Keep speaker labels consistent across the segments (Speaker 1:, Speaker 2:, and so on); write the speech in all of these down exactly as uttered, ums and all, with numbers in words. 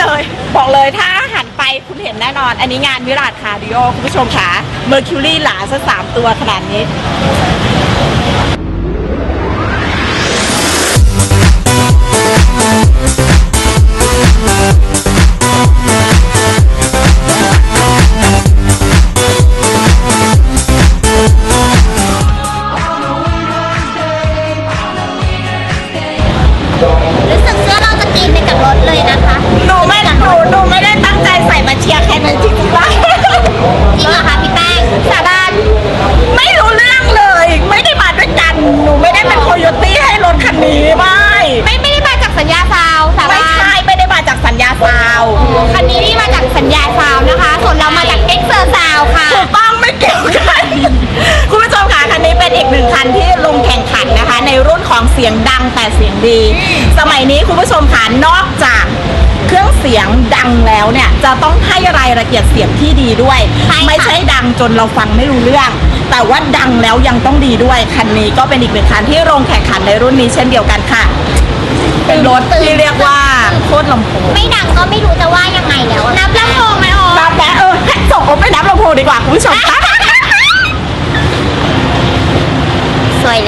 Speaker 1: เลยบอกเลยถ้าหันไปคุณเห็นแน่นอนอันนี้งานวิราชคาร์ดิโอคุณผู้ชมค่ะเมอร์คิวรี่หลาซะสามตัวขนาดนี้
Speaker 2: รู้สึกเสื้อเราจะกินไปกับรถเลยนะคะ
Speaker 1: หนูไม่หนูหนูไม่ได้ตั้งใจใส่มาเชียร์ใครมันจริงๆว่า
Speaker 2: จริงเหรอคะพี่แป้ง
Speaker 1: สาบานไม่รู้เรื่องเลยไม่ได้มาด้วยกันหนูไม่ได้เป็นโคโยตี้ให้รถคันนี้ไม่
Speaker 2: ไม่ไม่ได้มาจากสัญญาซาวสาบาน
Speaker 1: ไม่ใช่ไม่ได้มาจากสัญญาซาว
Speaker 2: คันนี้นี่มาจากสัญญาซาวนะคะส่วนเรามาจากเอ็กเซอร์ซาวค่ะ
Speaker 1: ถูกต้องไม่เกี่ยวกันคุณผู้ชมค่ะคันนี้เป็นอีกหนึ่งคันที่ลงแข่งขันนะคะในรุ่นของเสียงดังแต่เสียงดีสมัยนี้คุณผู้ชมค่ะนอกจากเครื่องเสียงดังแล้วเนี่ยจะต้องให้รายละเอียดเสียงที่ดีด้วยไม่ใช่ดังจนเราฟังไม่รู้เรื่องแต่ว่าดังแล้วยังต้องดีด้วยคันนี้ก็เป็นอีกหนึ่งคันที่ลงแข่งขันในรุ่นนี้เช่นเดียวกันค่ะเป็นรถที่เรียกว่าโคตรลำโพง
Speaker 2: ไม่ดังก็ไม่รู้จะว่ายังไงแล้วนับลำโพงไหมอ๋อ
Speaker 1: นับแล้วเออส่งผมไปนับลำโพงดีกว่าคุณผู้ชม
Speaker 2: สวยเลย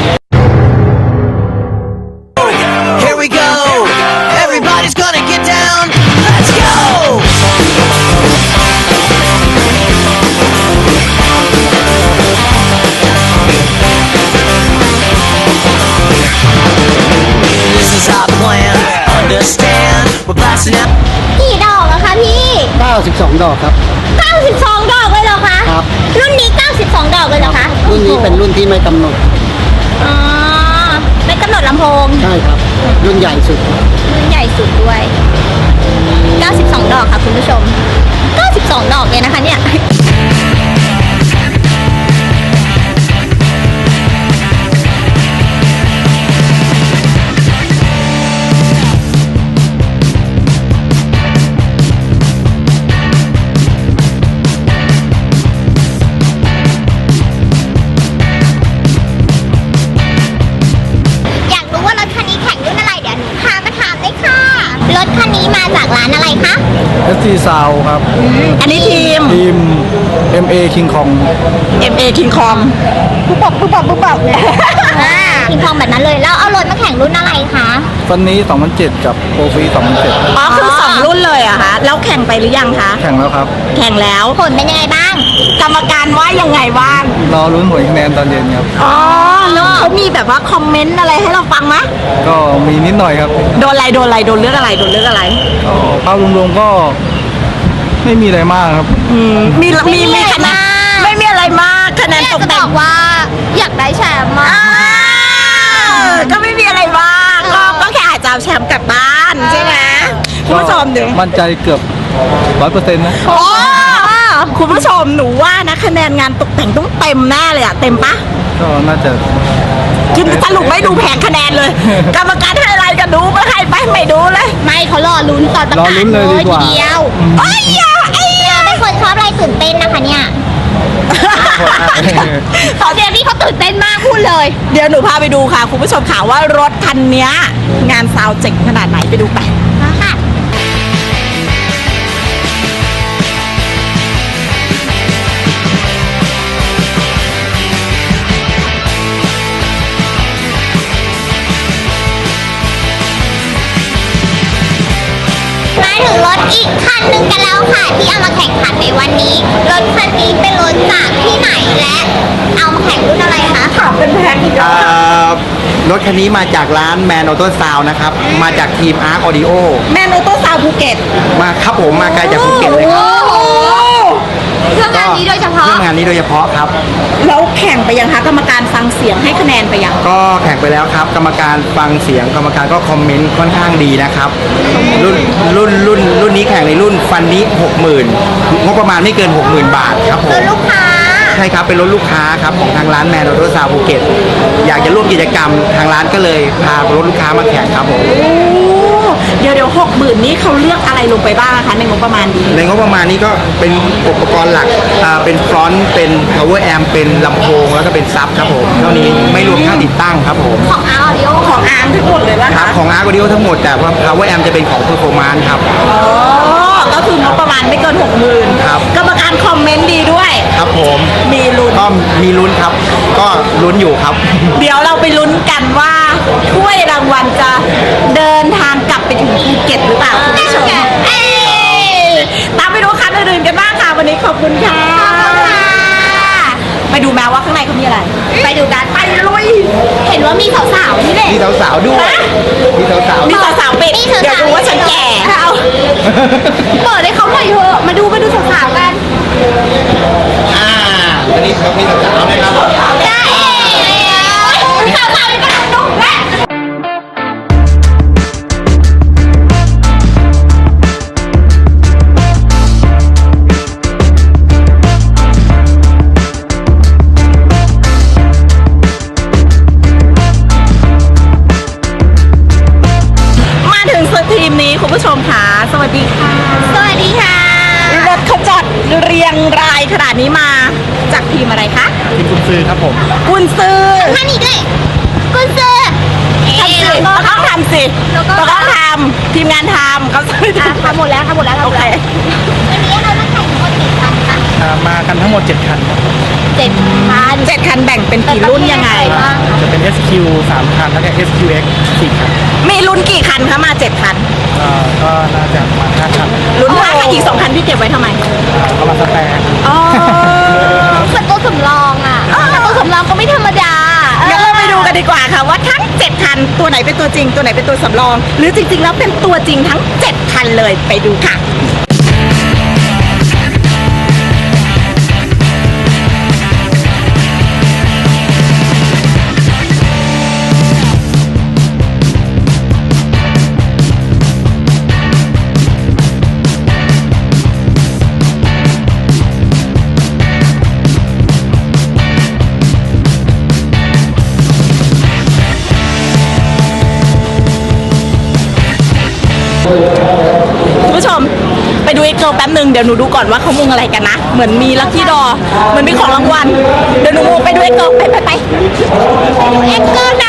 Speaker 3: Here we go Everybody's gonna get down Let's go This is our plan Understand We're blasting out
Speaker 2: กี่ดอกอะคะพี่
Speaker 4: เก้าสิบสองดอกครับ
Speaker 2: เก้าสิบสองดอกเลยเหรอคะ
Speaker 4: ครับ
Speaker 2: รุ่นนี้เก้าสิบสองดอกเลยเหรอคะ
Speaker 4: รุ่นนี้เป็นรุ่นที่ไม่กำหนด
Speaker 2: อ๋อไม่กำหนดลำโพง
Speaker 4: ใช่ครับรุ่นใหญ่สุด
Speaker 2: รุ่นใหญ่สุดด้วยเก้าสิบสองดอกค่ะคุณผู้ชมเก้าสิบสองดอกเลยนะคะเนี่ยรถคันนี้มาจากร้านอะไรคะ
Speaker 4: เอส ที Sound ครับ
Speaker 1: อันนี้ทีม
Speaker 4: ทีม เอ็ม เอ King Kong
Speaker 1: เอ็ม เอ King Kong ปุ๊บปับปุ๊บปับปุ๊บปับ
Speaker 2: King Kong แบบนั้นเลยแล้วเอารถมาแข่งรุ่นอะไรคะ
Speaker 4: ฟันนี้สองพันเจ็ดกับโปรฟีสองพันเจ็ด
Speaker 1: อ๋อคือสองรุ่นเลยอะคะแล้วแข่งไปหรือยังคะ
Speaker 4: แข่งแล้วครับ
Speaker 1: แข่งแล้ว
Speaker 2: ผลเป็นยังไงบ้าง
Speaker 1: กรรมการว่ายังไงบ้าง
Speaker 4: รอลุ้นผลคะแนนตอนเย็นครับ
Speaker 1: อ๋อแล้วเขามีแบบว่าคอมเมนต์อะไรให้เราฟังไหม
Speaker 4: ก็มีนิดหน่อยครับ
Speaker 1: โดนอะไรโดนอะไรโดนเรื่องอะไรโดนเรื่องอะไร
Speaker 4: ก็ภาพรวมๆก็ไม่มีอะไรมากครับ
Speaker 1: มีมีมีคะแนนไม่มีอะไรมากคะแนนตกแต่ง
Speaker 2: ว่าอยากได้แชมป์มาก
Speaker 1: ก็ไม่มีอะไรมากก็ก็แค่อาจจะเอาแชมป์กลับบ้านใช่ไหมคุณผู้ชมเดี๋ยว
Speaker 4: มั่นใจเกือบร้อยเปอร์เซ็นต์นะ
Speaker 1: โอ้คุณผู้ชมหนูว่านะคะแนนงานตกแต่งต้องเต็มแน่เลยอะเต็มปะ
Speaker 4: ก็น่าจะ
Speaker 1: คือสรุปไม่ดูแผงคะแนนเลยกรรมการให้อะไรกันดูไม่ให้ไปไม่ดูเลย
Speaker 2: ไม่เขารอลุ้นตอนประกาศเลยทีเดียว
Speaker 1: ไอ้ยาไอ้ยา
Speaker 2: เป็นคนชอบอะไรตื่นเต้นนะคะเนี่ยตอนเดียวนี่เขาตื่นเต้นมากพูดเลย
Speaker 1: เดี๋ยวหนูพาไปดูค่ะคุณผู้ชมค่ะว่ารถคันนี้งานซาวเจ๋งขนาดไหนไปดูไป
Speaker 2: ค่ะมาถึงรถอีกคันหนึ่งกันแล้วค่ะที่เอามาแข่งขันในวันนี้รถคันนี้เป็นรถจากที่ไหนและเอามาแข่งรุ่นอะไรคะ
Speaker 1: ขับเป็นแพ็คเยอะ
Speaker 5: รถคันนี้มาจากร้านแมนออโต้ซาวนะครับมาจากทีมอาร์คออดิโอ
Speaker 1: แมนออโต้ซาวภูเก็ต
Speaker 5: มาครับผมมาไกลจากภูเก็ตเลยครับ
Speaker 2: เพื่องานนี้โดยเฉพาะ
Speaker 5: เพื่องานนี้โดยเฉพาะครับ
Speaker 1: แล้วแข่งไปยังคะกรรมการฟังเสียงให้คะแนนไปยัง
Speaker 5: ก็แข่งไปแล้วครับกรรมการฟังเสียงกรรมการก็คอมเมนต์ค่อนข้างดีนะครับรุ่นรุ่นรุ่นรุ่นนี้แข่งในรุ่นฟันนี้หกหมื่นงบประมาณไม่เกินหกหมื่นบาทครับผม
Speaker 2: รถลูกค้า
Speaker 5: ใช่ครับเป็นรถลูกค้าครับของทางร้านแมนออโต้ซาวภูเก็ตอยากจะร่วมกิจกรรมทางร้านก็เลยพารถลูกค้ามาแข่งครับผม
Speaker 1: เดี๋ยวเดี๋ยวหกหมื่นนี่เขาเลือกอะไรลงไปบ้างคะในงบประมาณนี้
Speaker 5: ในงบประมาณนี้ก็เป็นอุปกรณ์หลักอ่าเป็นฟรอนต์เป็น power amp เป็นลำโพงแล้วก็เป็นซับครับผมเท่านี้ไม่รวมค่าติดตั้งครับผม
Speaker 2: ของอาร์ออดิโอ
Speaker 1: ของอาร์มทั้งหมดเลยว่า
Speaker 5: ครั
Speaker 1: คะ
Speaker 5: บของ Arc Audio ทั้งหมดแต่ว่า power amp จะเป็นของ performance ครับ
Speaker 1: อ๋อก็คืองบประมาณไม่เกินหกหมื่น
Speaker 5: ครับ
Speaker 1: กรรมการคอมเมนต์ดีด้วย
Speaker 5: ครับผม
Speaker 1: มีลุ้น
Speaker 5: ก็มีลุ้นครับ ก็ลุ้นอยู่ครับ
Speaker 1: เดี๋ยวเราไปลุ้นกันว่าถ้วยรางวัลจะเดินทางกลับไปถึงภูเก็ตหรือเปล่าคุณผู้ชมเอ้ยตามไปดูคันอื่นๆกันบ้างค่ะวันนี้ขอบคุณค่ะ ไปดูแมวว่าข้างในเขามีอะไร ไปดูกันไปลุย
Speaker 2: เห็นว่ามีสาวๆนี่แหละ
Speaker 5: มีสาวๆด้วย
Speaker 1: ฮะ
Speaker 5: มีสาวๆ
Speaker 1: มี
Speaker 5: ด้วย
Speaker 1: สาวๆปิด
Speaker 2: มีสาวๆ
Speaker 1: เดี๋ยวดูว่าฉันแก่เอา
Speaker 2: เปิดให้เขาหน่อยเถอะมาดูมาดูสาวๆกัน
Speaker 5: อ่าวันนี้เขามีสาวๆนะครับ
Speaker 2: ได้สาวๆนี่ก็ดูแล
Speaker 1: มาถึงทีมนี้คุณผู้ชมค่ะสวัสดีค่ะ
Speaker 2: สวัสดีค่ะ
Speaker 1: รถเขาจอดเรียงรายขนาดนี้มาจากทีมอะไรคะ
Speaker 4: ทีมกุญซือครับผม
Speaker 1: กุนซือ
Speaker 2: ท่านอีกด้วยกุญซื้อ
Speaker 1: ทำสิเราต้องทำสิ
Speaker 2: แล้วก็
Speaker 1: เราต้องทำทีมงานทำเขาช่วยทำ
Speaker 2: ทำหมดแล้วทำหมดแล้ว
Speaker 1: โอเค
Speaker 2: วันนี้เรามาแข่งทั้งหมดกี่คันคะ
Speaker 4: อ่ามากันทั้งหมด เจ็ด คันครับ
Speaker 2: เจ็ดคัน
Speaker 1: เจ็ดคันแบ่งเป็นกี่รุ่นยังไง
Speaker 2: บ้าง
Speaker 4: จะเป็น เอส คิว สาม คัน แล้วก็ เอส คิว เอ็กซ์ สี่ คัน
Speaker 1: มีรุ่นกี่คันคะมาเจ็ดคัน
Speaker 4: อ่าก็น่าจะประมาณห้าคัน
Speaker 1: รุ่นห้าคันอีกสองคันพี่เก็บไว้ทำไม
Speaker 4: อ่าเอามาสแปร์
Speaker 1: อ๋อ
Speaker 2: เหมือนตัวสำรองอ่ะแต่ตัวสำรองก็ไม่ธรรมดา
Speaker 1: งั้นเราไปดูกันดีกว่าค่ะว่าทั้งเจ็ดคันตัวไหนเป็นตัวจริงตัวไหนเป็นตัวสำรอง หรือจริงๆแล้วเป็นตัวจริงทั้งเจ็ดคันเลยไปดูค่ะ คุณผู้ชมไปดูเอ็กโกแป๊บหนึ่งเดี๋ยวหนูดูก่อนว่าเขามุงอะไรกันนะ เหมือนมีลัคกี้ดอเหมือนมีของรางวัลเดี๋ยวหนูมุงไปดูเอ็กโกไปไปไปเอ็กโกนะ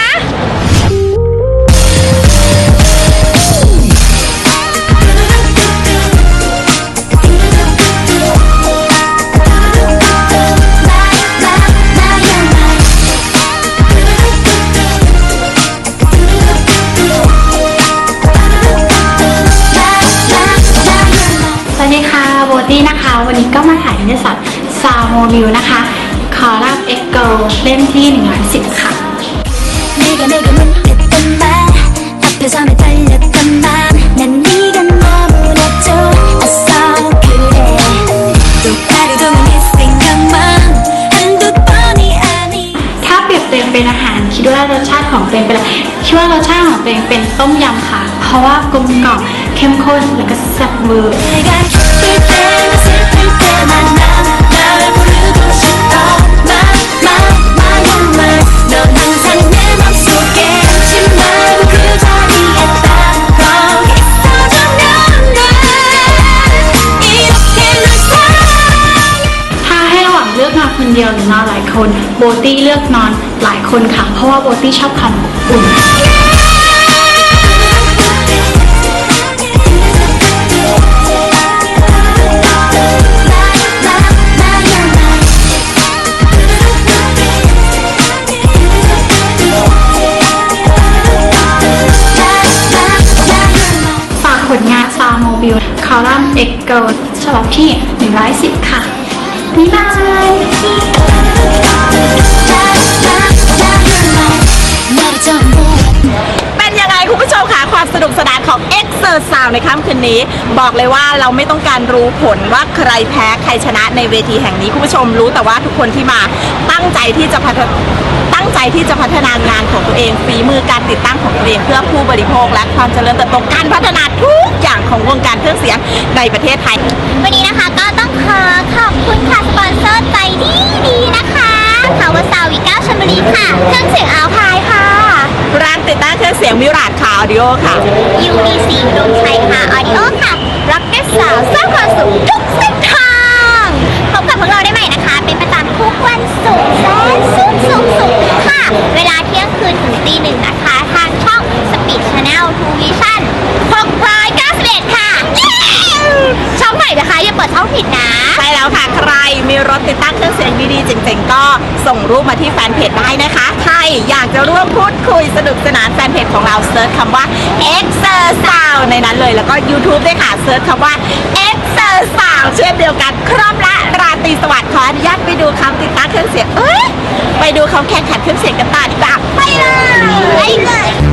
Speaker 6: สวัสดีค่ะโบตี้นะคะ วันนี้ก็มาถ่ายนิตยสารซาวโมบิลนะคะ คอลัมน์เอ็กโกเล่มที่หนึ่งร้อยสิบค่ะ
Speaker 7: 내가 내게 못했던 말 앞에서 매달렸던 맘 난 네가 너무나 좋았어 그래 똑바로 도는 이 생각만 한두 번이 아니
Speaker 6: ถ้าเปรียบเทียบเป็นอาหารคิดว่ารสชาติของตัวเองเป็นอะไรคิดว่ารสชาติของตัวเองเป็นต้มยำค่ะ เพราะว่ากลมกล่อมเข้มข้นแล้วก็แซ่บเวอร์
Speaker 7: 내가 기쁠 때나 슬플 때만 난 널 부르고 싶어 My my my oh my 넌 항상 내 맘속에 잊지 말고 그 자리에 딱 거 있어주면 돼 이렇게 널 사랑해
Speaker 6: ถ้าให้ระหว่างเลือกนอนคนเดียวหรือนอนหลายคนโบตี้เลือกนอนหลายคนค่ะ เพราะว่าโบตี้ชอบความอบอุ่น ฝากผลงานซาวโมบิลคอลัมน์เอ็กโกฉบับที่หนึ่งร้อยสิบค่ะบ๊ายบาย
Speaker 7: 나를 전부
Speaker 1: เป็นยังไงคุณผู้ชมคะความสนุกสนานของ Xเซอร์ Sound ในค่ำคืนนี้ บอกเลยว่าเราไม่ต้องการรู้ผลว่าใครแพ้ใครชนะในเวทีแห่งนี้คุณผู้ชมรู้แต่ว่าทุกคนที่มาตั้งใจที่จะพัฒตั้งใจที่จะพัฒนางานของตัวเองฝีมือการติดตั้งของตัวเองเพื่อผู้บริโภคและความเจริญเติบโตการพัฒนาทุกอย่างของวงการเครื่องเสียงในประเทศไทย
Speaker 2: วันนี้นะคะก็ต้องขอขอบคุณค่ะสปอนเซอร์ใจดีดีๆนะคะ Power Sound วี เก้า ชลบุรีค่ะเครื่องเสียงอัลพายค่ะ
Speaker 1: ร้านติดตั้งเครื่องเสียงมิราดคาออดิโอค่ะ
Speaker 2: ยูดีซีดวงชัยค่ะออดิโอค่ะรักแก่สาวสร้างความสุขทุกเส้นทางพบกับพวกเราได้ใหม่นะคะ เป็นประจำทุกวันศุกร์แสนสุขสุขสุขค่ะ เวลาเที่ยงคืนถึงตีหนึ่งนะคะ ทางช่อง Speed Channel ทู Vision หกร้อยเก้าสิบเอ็ดค่ะเย้ช่องใหม่นะคะอย่าเปิดช่องผิดนะ
Speaker 1: ใช่แล้วค่ะ ใครมีรถติดตั้งเครื่องเสียงดีๆเจ๋งๆก็ส่งรูปมาที่แฟนเพจได้นะคะใครอยากจะร่วมพูดคุยสนุกสนานแฟนเพจของเราเซิร์ชคำว่า Exer Sound ในนั้นเลยแล้วก็ YouTube ด้วยค่ะเซิร์ชคำว่า Exer Sound เช่นเดียวกันครบละราตรีสวัสดิ์ขออนุญาตไปดูคำติดตั้งเครื่องเสียงเอ้ยไปดูเขาแข่งขันเครื่องเสียงกันต่อดีกว่าไปเลย
Speaker 2: ไปเลย